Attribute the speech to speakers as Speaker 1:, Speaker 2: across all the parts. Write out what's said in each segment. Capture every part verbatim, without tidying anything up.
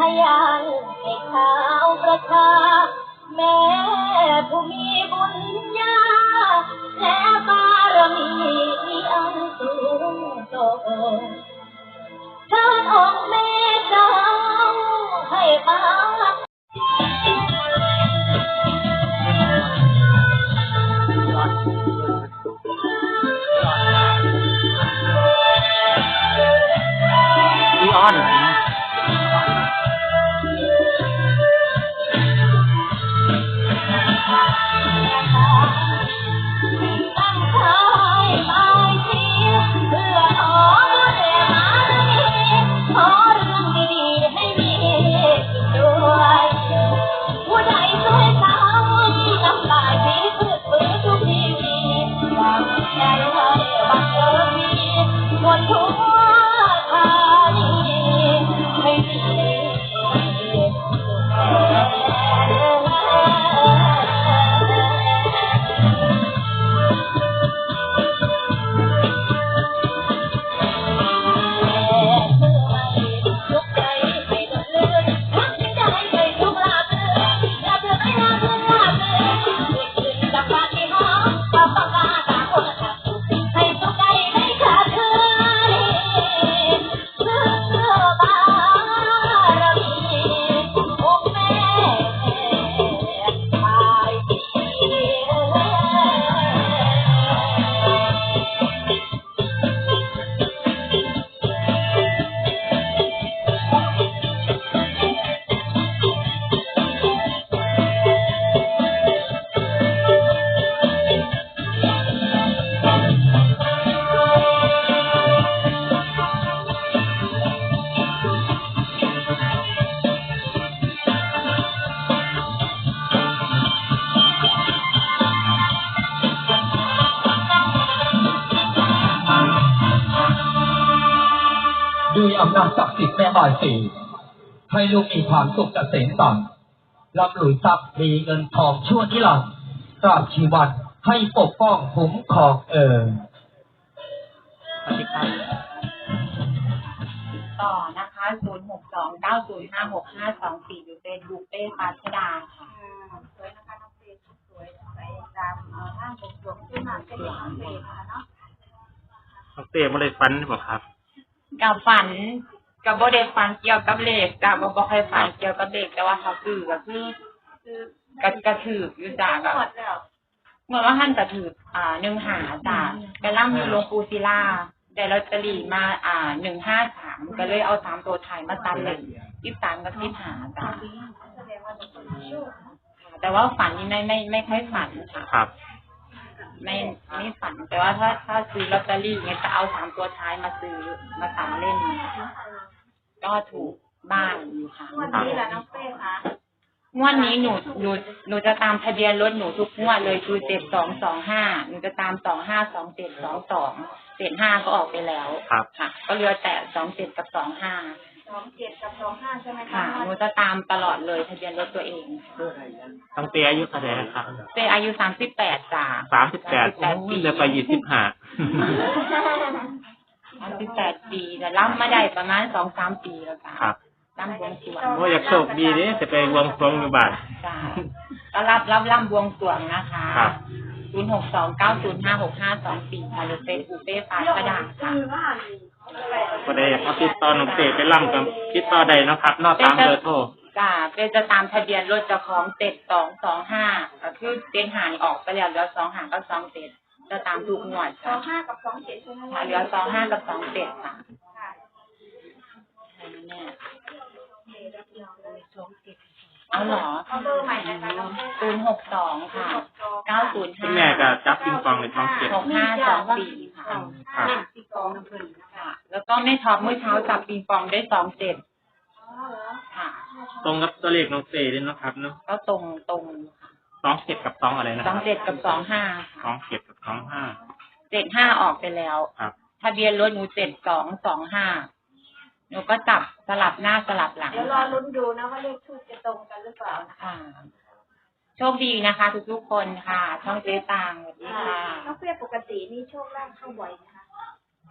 Speaker 1: ยานให้ข่าวประชาแม่ผู้มีบุญญาและบารมีอันสูงส่งเชิญองค์แม่เจ้าให้มา
Speaker 2: พี่อ้อน
Speaker 3: ด้วยอำนาจศักดิ์สิทธิ์แม่บายสีให้ลูกมีความสุขเกษมสันต์ร่ำรวยทรัพย์มีเงินทองชั่วนิรันดร์ตราบชีวันให้ปกป้องคุ้มครองเอ่ย
Speaker 2: สวัสดีครับ
Speaker 4: ต่อนะคะศูนย์หกสองเก้าศูนย์ห้าหกห้าสองสี่อยู่เป็นบุฟเฟ่ปาชดาค่ะ
Speaker 1: สวยนะคะน้องเฟย์สวยไปตามห้างบวงขึ้นมาเป็นน้องเฟย์นะคะเนาะ
Speaker 2: น้องเต้ไม่ได้ฟันหรือเปล่าครับ
Speaker 4: กับฝันกับโบเดฝันเกี่ยวกับเลขแต่บ่บ่เคยฝันเกี่ยวกับเลขแต่ว่าเขาคือก็คือคือกระกระถืออยู่จ้าก็เมื่อว่าท่านกระถืออ่าหนึ่งหาจ้าไปร่ำอยู่หลวงปู่ศิลาได้ลอตเตอรี่มาอ่าหนึ่งห้าสามก็เลยเอาสามตัวไทยมาตัดเลยสิบสามกับสิบหาจ้าแต่ว่าฝันนี่ไม่ไม่ไม่ค่อยฝันค่ะ
Speaker 2: ครับ
Speaker 4: ไม่ไม่ฝันแต่ว่าถ้าถ้าซื้อลอตเตอรี่เนี่ยจะเอาสามตัวท้ายมาซื้อมาสามเล่นก็ถูกบ้านอยู่ค่ะ
Speaker 1: งวดนี้แหละน้องเป้ค่ะ
Speaker 4: งวดนี้หนูหนูหนูจะตามทะเบียนรถหนูทุกงวดเลยคือเจ็ดสองสองห้าหนูจะตามสองห้าสองเจ็ดสองสองเจ็ดห้าก็ออกไปแล้วค่ะก็เหลือแต่สองเจ็ดกับสองห้า
Speaker 1: สองเจ็ดกับสองห้าใช่ไหมคะ
Speaker 4: ค่ะหนูจะตามตลอดเลยทะเบียนรถตัวเอง
Speaker 2: น้องเต้อายุเท่าไหร่ครับ
Speaker 4: เต้อายุสามสิบแปดจ้า
Speaker 2: สามสิบแปดปีจะไปยี่สิบห้า
Speaker 4: สามสิบแปดปีแต่รับมาได้ประมาณสองสามปีแล้วจ้า
Speaker 2: ครับ
Speaker 4: ร่ำบวงสรวง
Speaker 2: โอ้อยากโชคดีดิจะไปบวงสรวงอยู่บ้าน
Speaker 4: จ้าก็รับรับร่ำบวงสรวงนะคะศูนย์หกสองเก้าศูนย์ห้าหกห้าสองสี่ค่ะหรือเฟซบุ๊กเป้ฟ้าประดาค่ะ
Speaker 2: ก็ได้เอาติดต่อน้องเต้ไปร่ำกับติดต่อใดนะครับนอกตามเบอร์โทร
Speaker 4: จ้าเป็นจะตามทะเบียนรถเจ้าของเจ็ดสองสองห้าก็คือเต็นหางออกไปแล้วเหลือสองหางก็สองเจ็ดจะตามทุกงวด
Speaker 1: สองห้ากับสองเจ็ดใช่ไหมคะ
Speaker 4: เหลือสองห้ากับสองเจ็ดค่ะเอาหรอ
Speaker 1: เอาเบอร์ใหม่นะคะ
Speaker 4: ศูนย์หกสองค่ะเก้าศูนย์ห้า
Speaker 2: แม่ก็จับปิงปองในท้องเจ็ด
Speaker 4: หกห้าสองสี่ค่ะ
Speaker 1: ปิงปองน้ำผึ้ง
Speaker 4: ค่ะแล้วก็แม่ท็อปเมื่อเช้าจับปิงปองได้สองเจ็ดค่ะ
Speaker 2: ตรงกับตัวเลขน้องเต้เลยนะครับเนาะ
Speaker 4: ก็ตรงตรง
Speaker 2: สองเจ็ดกับสองอะไรนะ
Speaker 4: สองเจ็ดกับสองห้า
Speaker 2: สองเจ็ดกับสองห้า
Speaker 4: เจ็ดห้าออกไปแล้ว
Speaker 2: ครับ
Speaker 4: ทะเบียนรถหนูเจ็ดสองสองห้าหนูก็จับสลับหน้าสลับหลัง
Speaker 1: เดี๋ยวรอลุ้นดูนะว่าเลขทูปจะตรงกันหรือเปล่านะคะ
Speaker 4: โชคดีนะคะทุกๆคนค่ะช่องเจ๊ตางสวัสดีค่ะ
Speaker 1: น้องเฟียปกตินี่โชคลาภเข้าบ่อยนะคะ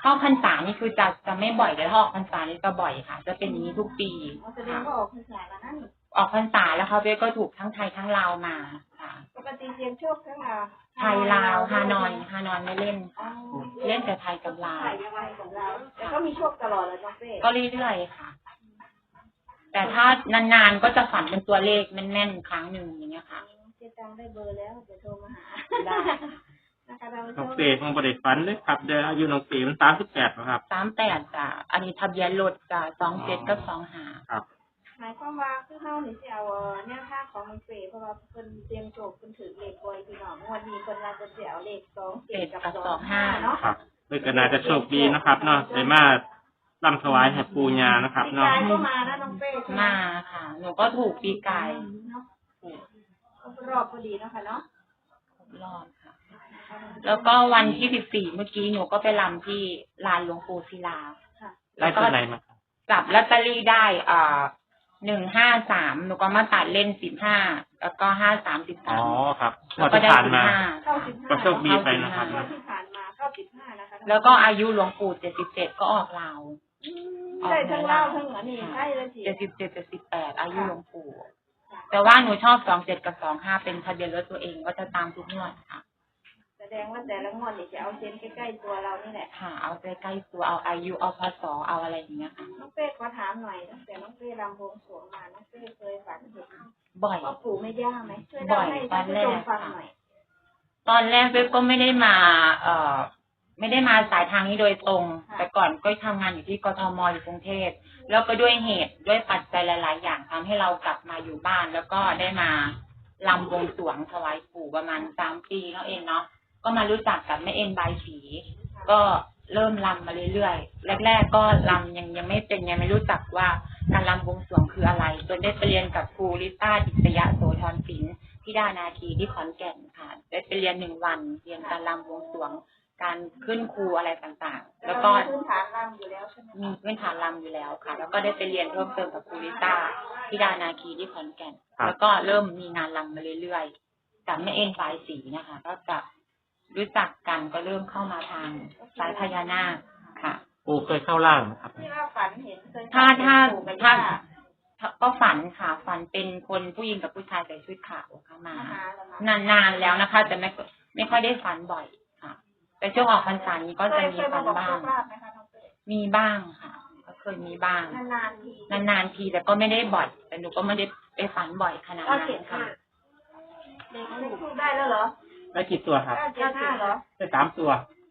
Speaker 4: เข้าพรรษานี่คือจะจะไม่บ่อยแต่ถ้าออกพรรษานี่จะบ่อยค่ะ จะเป็นอย่างนี้ทุกปี
Speaker 1: อ๋อแสดงว่าออกพรรษาแล้วนั่น
Speaker 4: ออกพรรษาแล้วเขาเบสก็ถูกทั้งไทยทั้งลาวมาค่ะ
Speaker 1: ปกติเรียนโชคทั้งลาว
Speaker 4: ไทยลาวฮานอยฮานอยไม่เล่น
Speaker 1: อ๋อ
Speaker 4: เล่นแต่ไทยกับลาว
Speaker 1: ไทยยังไงของเราแต่ก็มีโชคตลอดเลยน้องเป้
Speaker 4: ก็เรื่อยๆค่ะ แต่ถ้านานๆก็จะฝันเป็นตัวเลขแม่นๆครั้งหนึ่งอย่างเงี้ยค่ะ
Speaker 1: เจ๊ตังได้เบอร์แล้วเดี๋ยวโทรมาหา
Speaker 4: ได้
Speaker 1: นะคะเรา
Speaker 2: น้องเตของบริฟันเลยครับเดี๋ยวอายุน้องเตมันสามสิบแปดครับ
Speaker 4: สามแปดจ้ะอันนี้ทะเบียนรถจ้ะสองเจ็ดกับสองห้า
Speaker 2: ครับ
Speaker 1: หมายความว่าคือเฮานี่สิเอาแนวทางของน้องเป้เพราะว่าเพิ่นเตรียมโชคเพิ่นถือเลขบ่อยพี่น้องงวดนี้เพิ่นว่าจะสิเอาเลขสองเจ็ดกับสองห้าเนาะ
Speaker 2: ครับเลยก็น่าจะโชคดีนะครับเนาะได้มาลำถวายให้ปูญานะครับ
Speaker 1: พี่
Speaker 2: เนาะ
Speaker 1: กายก็มานะน้องเป้ใช่ไห
Speaker 4: มาค่ะ หนูก็ถูกปีกาย
Speaker 1: เนาะครบรอบพอดีเนาะค่ะเนาะ
Speaker 4: รอบค่ะ แล้วก็วันที่สิบสี่เมื่อกี้หนูก็ไปรำที่ลานหลวงปู่ศิลา
Speaker 1: ค่ะ
Speaker 2: ได้ตัวไหนมาครับ
Speaker 4: จับลอตเตอรี่ได้อ่าหนึ่งห้าสามหนูก็มาตัดเล่นสิบห้าแล้วก็ห้าสามสิบ
Speaker 2: อ๋
Speaker 4: สา
Speaker 2: อ
Speaker 4: ม
Speaker 2: ครับง
Speaker 4: แล้ว
Speaker 2: วด
Speaker 4: ก็
Speaker 2: ที่
Speaker 4: ได้
Speaker 2: ผ่าน
Speaker 4: สิบ
Speaker 2: มา
Speaker 4: ห้า
Speaker 1: เข้าสิบห้า
Speaker 2: ก็โชคดีไปนะครับ
Speaker 1: งวดที่ผ่านมาเข้าสิบห้านะคะ
Speaker 4: แล้วก็อายุหลวงปู่เจ็ดสิบเจ็ดก็ออกลาว
Speaker 1: ได้ทั้งเล่าทั้งเหนือนี่ใช่เลยที
Speaker 4: เจ็ดสิบเจ็ดเจ็ดสิบแปดอายุหลวงปู่ แต่ว่าหนูชอบสองเจ็ดกับสองห้าเป็นทะเบียนรถตัวเองก็จะตามทุกงวดค่ะ
Speaker 1: แสดงว่าแต่ละงวดนี่จะเอาเซนใกล้ๆตัวเรานี่แหละ
Speaker 4: ค่ะ เอาใกล้ๆตัวเอาอายุเอาพศเอาอะไรอย่างเงี้ยค่ะ
Speaker 1: น้องเป้ขอถามหน่อยตั้งแต่น้องเป้รำบวงสรวงมาน้องเป้เคยฝันเห็น
Speaker 4: บ่อย
Speaker 1: พ่อปู่แม่ย่าไหมช่วยเล่าให้ท่านผู้ชมฟังหน่อย
Speaker 4: ตอนแรกเว็บก็ไม่ได้มา เอ่อ ไม่ได้มาสายทางนี้โดยตรง แต่ก่อนก็ทำงานอยู่ที่กทมอยู่กรุงเทพแล้วก็ด้วยเหตุด้วยปัจจัยหลาย ๆ อย่างทำให้เรากลับมาอยู่บ้าน แล้วก็ได้มาลำบวงสรวงถวายปู่ประมาณสามปีแล้วเองเนาะก็มารู้จักกับแม่เอ็นบายสีก็เริ่มลำมาเรื่อยๆแรก ๆ ก็ลำยังยังไม่เป็นยังไม่รู้จักว่าการลำบวงสรวงคืออะไรจนได้ไปเรียนกับครูลิต้าดิษยะโสธรศิลป์ที่ดานาคีที่ขอนแก่นค่ะได้ไปเรียนหนึ่งวันเรียนการลำบวงสรวงการขึ้นครูอะไรต่างๆ แล้วก็
Speaker 1: พื้นฐานรำอยู่แล้วใช่ไหม
Speaker 4: มีพื้นฐานรำอยู่แล้วค่ะ แล้วก็ได้ไปเรียนเพิ่มเติมกับครูลิต้าที่ดานาคีที่ขอนแก่น แล้วก็เริ่มมีงานรำมาเรื่อยๆจากแม่เอ็นสายสีนะคะ ก็จะรู้จักกันก็เริ่มเข้ามาทางสายพญานาคค่ะ
Speaker 2: ปูเคยเข้าล่างไหมครับ
Speaker 1: ที่ว่าฝันเห็นเคย
Speaker 4: ถ้าถ้า
Speaker 1: ปู่กับ
Speaker 4: ถ้า
Speaker 1: ย่า
Speaker 4: ก็ฝันค่ะ ฝันเป็นคนผู้หญิงกับผู้ชายใส่ชุดขาวเข้ามา
Speaker 1: มาหาเรามาน
Speaker 4: านๆแล้วนะคะแต่ไม่ไม่ค่อยได้ฝันบ่อยค่ะ แต่ช่วงออกพรรษานี้ก็จะมี
Speaker 1: เคย
Speaker 4: ฝั
Speaker 1: มาน บอก
Speaker 4: บ้า
Speaker 1: โช
Speaker 4: ง
Speaker 1: คลาภไหมคะน้องเป้
Speaker 4: มีบ้างค่ะ ก็เคยมีบ้าง
Speaker 1: นานๆที
Speaker 4: นานๆทีแต่ก็ไม่ได้บ่อย แต่หนูก็ไม่ได้ไปฝันบ่อยขนาด
Speaker 1: ก็
Speaker 4: นั้
Speaker 1: เจ็ด
Speaker 4: น
Speaker 1: ห้า
Speaker 4: ค่ะ
Speaker 1: เด็กเลขทูบได้แล้วเหรอ
Speaker 2: ได้กี่ตัวครับ
Speaker 1: เก้าเจ็ดห้าเหรอ
Speaker 2: ได้สามตัว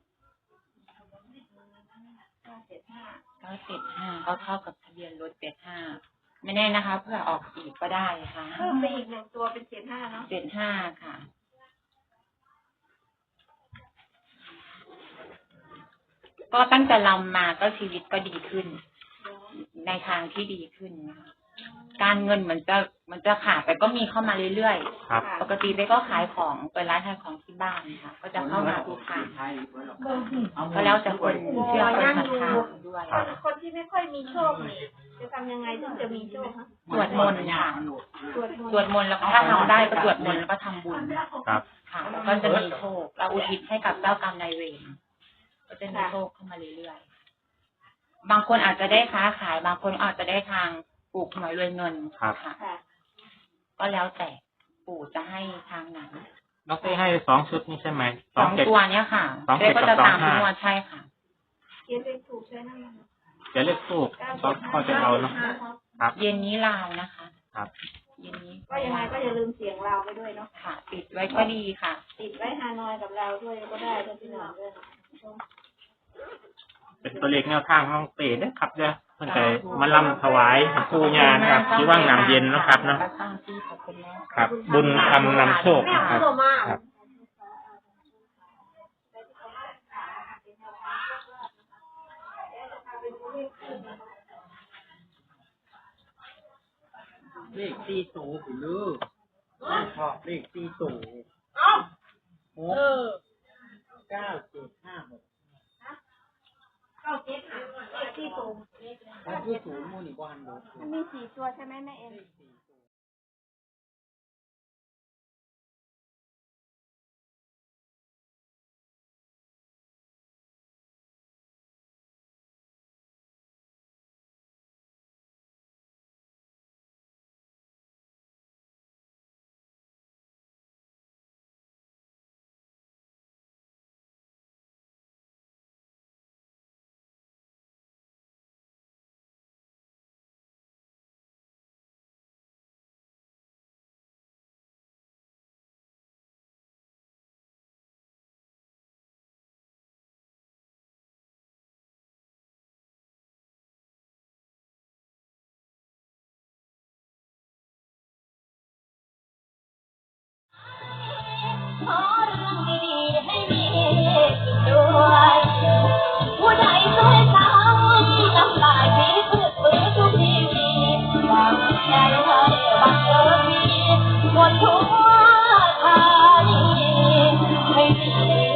Speaker 1: เก้าเจ็ดห้า
Speaker 4: ก็เจ็ดห้าก็เท่ากับทะเบียนรถเจ็ดห้าไม่แน่นะคะ เพื่อออกอีกก็ได้ค่ะ
Speaker 1: เพิ่มไปอีกหนึ่งตัวเป็นเจ็ดห้าเนาะ
Speaker 4: เจ็ดห้าค่ะ ก็ตั้งแต่ลำมาก็ชีวิตก็ดีขึ้น ในทางที่ดีขึ้นนะคะการเงินเหมือนจะเหมันจะขาดแต่ก็มีเข้ามาเรื่อย
Speaker 2: ครับ
Speaker 4: ๆ ปกติเบ๊ก็ขายของเปิดร้านขายของที่บ้านค่ะ ก็จะเข้ามาทุกครั้งก็แล้วแต่คนเชื่อคนศรัทธาด้วย
Speaker 2: ครับ
Speaker 1: คนที่ไม่ค่อยมีโชคนี่จะทำยังไงถึงจะมีโชคฮะ
Speaker 4: สวดมนต์ค่ะ
Speaker 1: สวดมนต์
Speaker 4: สวดมนต์แล้วก็ถ้าทำได้ก็สวดมนต์แล้วก็ทำบุญ
Speaker 2: ครับ
Speaker 4: ค่ะแล้วก็จะมีโชคเราอุทิศให้กับเจ้ากรรมนายเวรก็จะมีโชคเข้ามาเรื่อยๆบางคนอาจจะได้ค้าขาย บางคนอาจจะได้ทางปลูกหน่วยรวยเงิน
Speaker 2: ครับ
Speaker 4: ค่ะ
Speaker 1: ค่ะ
Speaker 4: ก็แล้วแต่ปู่จะให้ทางไหน
Speaker 2: น้องเต้ให้สองชุดนี่ใช่ไหม
Speaker 4: สอง
Speaker 2: เจ็ด
Speaker 4: ตัวเนี้ยค่ะ
Speaker 2: สองเจ็
Speaker 4: เจ๊
Speaker 2: ด
Speaker 4: ก็
Speaker 2: กับ
Speaker 4: จะตาม
Speaker 2: สอง
Speaker 4: ทุ
Speaker 2: ห้า
Speaker 4: กงวดใช่ค่ะ
Speaker 1: เขียนเป็นถูกใช่ไหม
Speaker 2: จะเลือกทูกก็ก็จะเอาเนาะครับ
Speaker 4: เย็นนี้ลาวนะคะ
Speaker 2: ครับ
Speaker 4: เย็นนี้
Speaker 1: ก็ยังไงก็อย่าลืมเสียงเราไปด้วยเนาะ
Speaker 4: ค่ะ ติดไว้ก็ดีค่ะ
Speaker 1: ติดไว้ฮานอยกับเราด้วยก็ได้ด้วยพี่น้องด้วยนะ
Speaker 2: เป็นตัวเลขแนวทางน้องเต้นะครับเด้อเพิ่นก็มาลำถวายให้ปูญานะครับที่ว่างน้ำเย็นเนาะครับเนาะ
Speaker 4: สร้างที่ขอบคุณมาก
Speaker 2: ครับ บุญคำนำโชคครับครับ
Speaker 3: เลขสี่สูงหรือชอบเลขสี่สูงหกเก้าเจ็ดห้าหก
Speaker 1: เก้าเจ็ดห้าเลขที่สูง
Speaker 3: ถ้าที่สูงมูนี่บ้านดู
Speaker 1: มันมีสี่ตัวใช่ไหมแม่เอ็นได้ให้บังเอิญมีหมดทั่วไทยให้ดี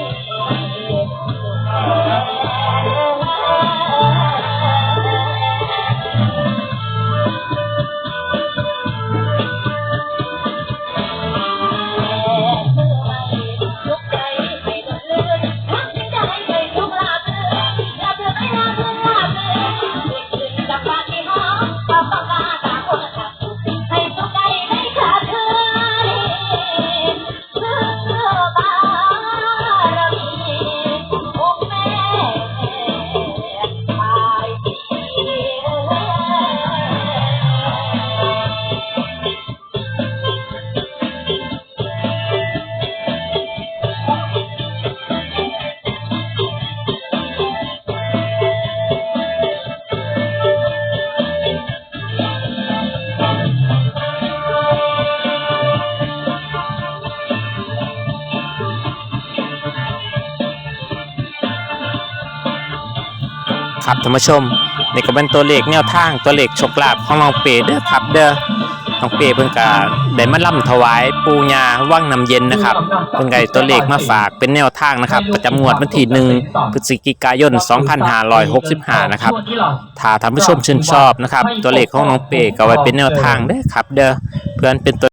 Speaker 2: ครับท่านผู้ชมนี่ก็เป็นตัวเลขแนวทางตัวเลขโชคลาภของน้องเป๋เด้อครับเด้อน้องเป๋เพิ่นก็ได้มาล่ำถวายปู่ย่าวังน้ำเย็นนะครับเพิ่นก็ได้ตัวเลขมาฝากเป็นแนวทางนะครับประจำงวดวันที่หนึ่งพฤศจิกายนสองพันห้าร้อยหกสิบห้านะครับถ้าท่านผู้ชมชื่นชอบนะครับตัวเลขของน้องเป๋ก็ไว้เป็นแนวทางเด้อครับเด้อเพื่อนเป็นตัว